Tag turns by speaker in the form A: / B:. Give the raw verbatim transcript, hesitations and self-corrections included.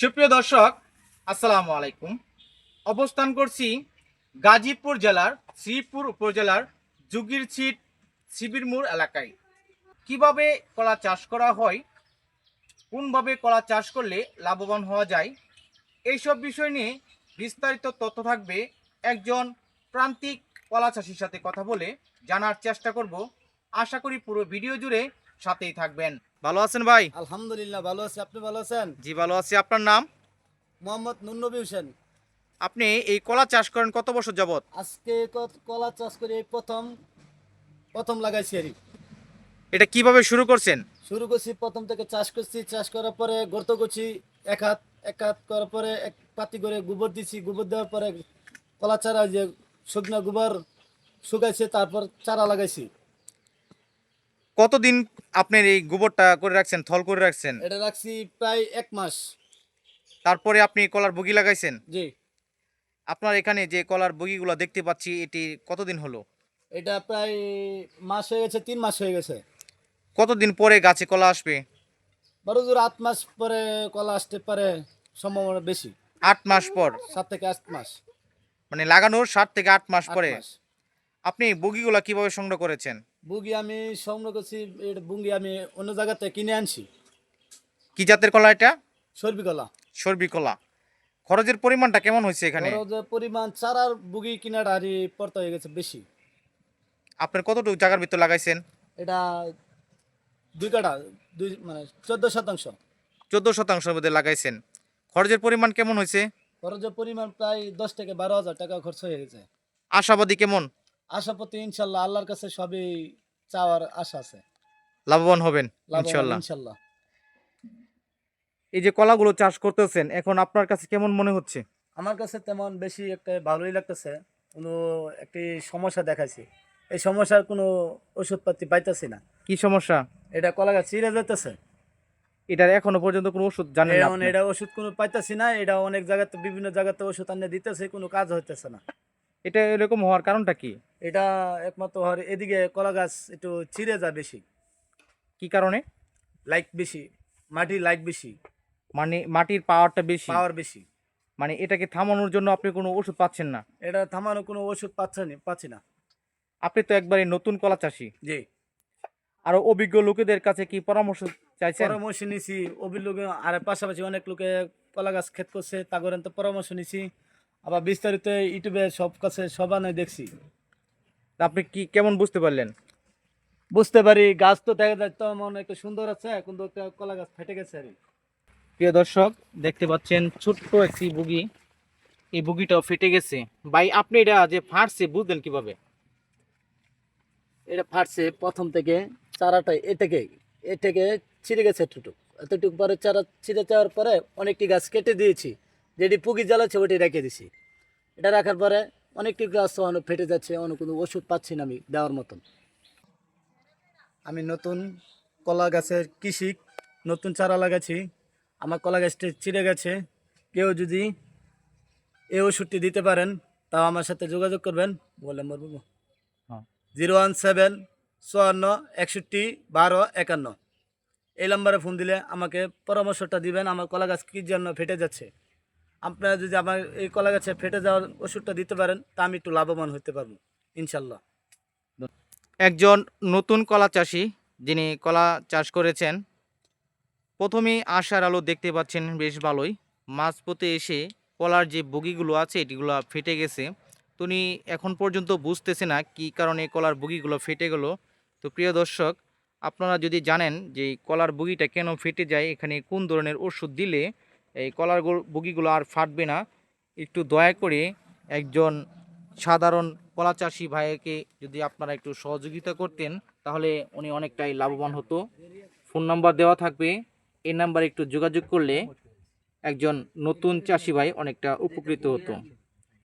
A: সুপ্রিয় দর্শক, আসসালামু আলাইকুম। অবস্থান করছি গাজীপুর জেলার শ্রীপুর উপজেলার জুগিরছিট শিবিরমুর এলাকায়। কিভাবে কলা চাষ করা হয়, কোনভাবে কলা চাষ করলে লাভবান হওয়া যায়, এইসব বিষয় নিয়ে বিস্তারিত তথ্য থাকবে একজন প্রান্তিক কলা চাষির সাথে কথা বলে জানার চেষ্টা করব। আশা করি পুরো ভিডিও জুড়ে সাথেই থাকবেন। ভালো আছেন ভাই?
B: আলহামদুলিল্লাহ ভালো আছি। আপনি ভালো আছেন?
A: জি ভালো আছি। আপনার নাম?
B: মোহাম্মদ নুরনবী হোসেন।
A: আপনি এই কলা চাষ করেন কত বছর যাবত?
B: আজকে ক- কলা চাষ করে এই প্রথম প্রথম লাগাইছি আর কি।
A: এটা কিভাবে শুরু করছেন?
B: শুরু করছি প্রথম থেকে চাষ করছি। চাষ করার পরে গর্ত করছি এক হাত এক হাত করার পরে এক পাতি করে গোবর দিছি। গোবর দেওয়ার পরে কলা চারা যে শুকনো গোবর শুকাইছে, তারপর চারা লাগাইছি।
A: কতদিন আপনার এই গোবরটা করে রাখছেন, থল করে রাখছেন?
B: এটা রাখছি প্রায় এক মাস।
A: তারপরে আপনি কলার বগি লাগাইছেন।
B: জি,
A: আপনার এখানে যে কলার বগিগুলো দেখতে পাচ্ছি, এটি কতদিন হলো?
B: এটা প্রায় মাস হয়ে গেছে, তিন মাস হয়ে গেছে।
A: কতদিন পরে গাছে কলা আসবে?
B: বড় জোর আট মাস পরে কলা আসতে পারে, সম্ভাবনা বেশি।
A: আট মাস পর?
B: সাত থেকে আট মাস।
A: মানে লাগানোর সাত থেকে আট মাস
B: আট
A: পরে।
B: মাস।
A: আপনি বগিগুলা কিভাবে সংগ্রহ করেছেন?
B: বুগি আমি সংগ্রহ করছি, এটা বুঙ্গি আমি অন্য জায়গাতে কিনে আনছি।
A: কি জাতের কলা এটা?
B: সর্বি কলা।
A: সর্বি কলা। খরচের পরিমাণটা কেমন হয়েছে এখানে?
B: বড় যে পরিমাণ চারার বুগি কিনাটা আর পড়তে হয়ে গেছে বেশি।
A: আপনার কতটুকু জায়গার ভিতর লাগাইছেন?
B: এটা দুই কাঠা, দুই মানে চোদ্দ শতাংশ।
A: চোদ্দ শতাংশের মধ্যে লাগাইছেন। খরচের পরিমাণ কেমন হয়েছে?
B: খরচের পরিমাণ প্রায় দশ থেকে বারো হাজার টাকা খরচ হয়ে গেছে।
A: আশাবাদী কেমন?
B: আশাপতি ইনশাল্লাহ, আল্লাহর কাছে সবই চাওয়ার আশা আছে।
A: লাভবান হবেন
B: লাভবান
A: ইনশাল্লাহ।
B: ইনশাল্লাহ।
A: এই যে কলাগুলো চাষ করতেছেন, এখন আপনার কাছে কেমন মনে হচ্ছে?
B: আমার কাছে তেমন বেশি একটা ভালোই লাগতেছে। কোনো একটি সমস্যা দেখাইছি, এই সমস্যার কোনো ওষুধপাতি পাইতেছি না।
A: কি সমস্যা?
B: এটা কলা গাছ চিরে যেতেছে।
A: এটার এখনো পর্যন্ত কোনো ওষুধ জানেন না
B: এখন
A: আপনি?
B: এটা ওষুধ কোনো পাইতেছি না। এটা অনেক জায়গাতে, বিভিন্ন জায়গাতে ওষুধ আনিয়ে দিতেছে, কোনো কাজ হইতেছে না।
A: এটা এরকম হওয়ার কারণটা কি?
B: এটা একমাত্র হর এদিকে কলা গাছ একটু চিরে যায় বেশি,
A: কি কারণে?
B: লাইক বেশি, মাটি লাইক বেশি,
A: মানে মাটির পাওয়ারটা বেশি?
B: পাওয়ার বেশি।
A: মানে এটাকে থামানোর জন্য আপনি কোনো ওষুধ পাচ্ছেন না?
B: এটা থামানো কোনো ওষুধ পাচ্ছে না, পাচ্ছি না।
A: আপনি তো একবারে নতুন কলা চাষি,
B: জি,
A: আরো অভিজ্ঞ লোকেদের কাছে কি পরামর্শ চাইছেন?
B: পরামর্শ নিছি অভিযোগ। আর পাশাপাশি অনেক লোকে কলা গাছ ক্ষেত করছে, তাগরেন তো পরামর্শ নিছি। আবার বিস্তারিত ইউটিউবে সব কাছে সবাই দেখছি।
A: তা আপনি কি কেমন বুঝতে পারলেন?
B: বুঝতে পারি গাছ তো দেখা যায় তো মনে একটু সুন্দর আছে, কিন্তু একটা কলা গাছ ফেটে গেছে আর কি।
A: প্রিয় দর্শক, দেখতে পাচ্ছেন ছোট্ট একটি বগি, এই বগিটাও ফেটে গেছে। ভাই আপনি এটা যে ফাটছে বুঝলেন কিভাবে?
B: এটা ফাটছে প্রথম থেকে, চারাটা এ থেকে এ থেকে ছিঁড়ে গেছে এতটুকু। এতটুকু পরে চারা ছিঁড়ে যাওয়ার পরে অনেকটি গাছ কেটে দিয়েছি, যেটি পুকি জ্বালাচ্ছে ওটি রেখে দিছি। এটা রাখার পরে অনেকটি গাছ অনেক ফেটে যাচ্ছে, অনেক কোনো ওষুধ পাচ্ছি না আমি দেওয়ার মতন। আমি নতুন কলা গাছের কৃষি, নতুন চারা লাগাচ্ছি। আমার কলা গাছটি ছিঁড়ে গেছে। কেউ যদি এই ওষুধটি দিতে পারেন, তাও আমার সাথে যোগাযোগ করবেন। বলে বলবো
A: হ্যাঁ।
B: জিরো ওয়ান সেভেন চুয়ান্ন একষট্টি বারো একান্ন, এই নাম্বারে ফোন দিলে আমাকে পরামর্শটা দিবেন আমার কলা গাছ কী জন্য ফেটে যাচ্ছে। আপনারা যদি আমার এই কলা গাছে ফেটে যাওয়ার ওষুধটা দিতে পারেন, তা আমি একটু লাভবান হতে পারবো ইনশাল্লাহ।
A: একজন নতুন কলা চাষি যিনি কলা চাষ করেছেন, প্রথমেই আশার আলো দেখতে পাচ্ছেন বেশ ভালোই। মাঝপথে এসে কলার যে বগিগুলো আছে এটিগুলো ফেটে গেছে। তো উনি এখন পর্যন্ত বুঝতেছে না কী কারণে কলার বগিগুলো ফেটে গেল। তো প্রিয় দর্শক, আপনারা যদি জানেন যে এই কলার বগিটা কেন ফেটে যায়, এখানে কোন ধরনের ওষুধ দিলে এই কলার গো- বগিগুলো আর ফাটবে না, একটু দয়া করে একজন সাধারণ কলা চাষি ভাইকে যদি আপনারা একটু সহযোগিতা করতেন, তাহলে উনি অনেকটাই লাভবান হতো। ফোন নাম্বার দেওয়া থাকবে, এই নাম্বারে একটু যোগাযোগ করলে একজন নতুন চাষি ভাই অনেকটা উপকৃত হতো।